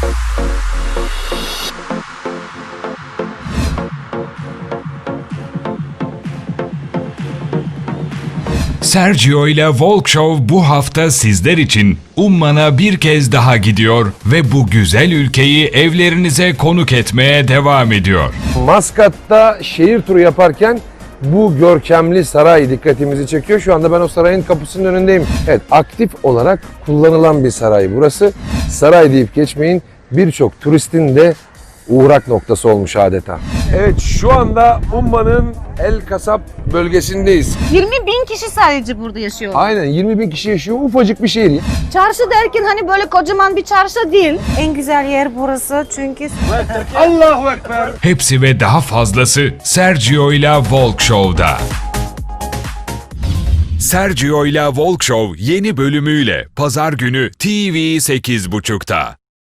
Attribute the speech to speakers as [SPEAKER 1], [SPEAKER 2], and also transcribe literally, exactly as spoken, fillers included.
[SPEAKER 1] Sergio ile Walk Show bu hafta sizler için Umman'a bir kez daha gidiyor ve bu güzel ülkeyi evlerinize konuk etmeye devam ediyor.
[SPEAKER 2] Maskat'ta şehir turu yaparken bu görkemli saray dikkatimizi çekiyor. Şu anda ben o sarayın kapısının önündeyim. Evet, aktif olarak kullanılan bir saray burası. Saray deyip geçmeyin, birçok turistin de uğrak noktası olmuş adeta. Evet, şu anda Umman'ın El Kasap bölgesindeyiz.
[SPEAKER 3] yirmi bin kişi sadece burada yaşıyor.
[SPEAKER 2] Aynen, yirmi bin kişi yaşıyor, ufacık bir şehir.
[SPEAKER 3] Çarşı derken hani böyle kocaman bir çarşı değil.
[SPEAKER 4] En güzel yer burası çünkü
[SPEAKER 2] Allahu Ekber.
[SPEAKER 1] Hepsi ve daha fazlası Sergio ile Walk Show'da. Sergio ile Walk Show yeni bölümüyle Pazar günü T V sekiz buçukta.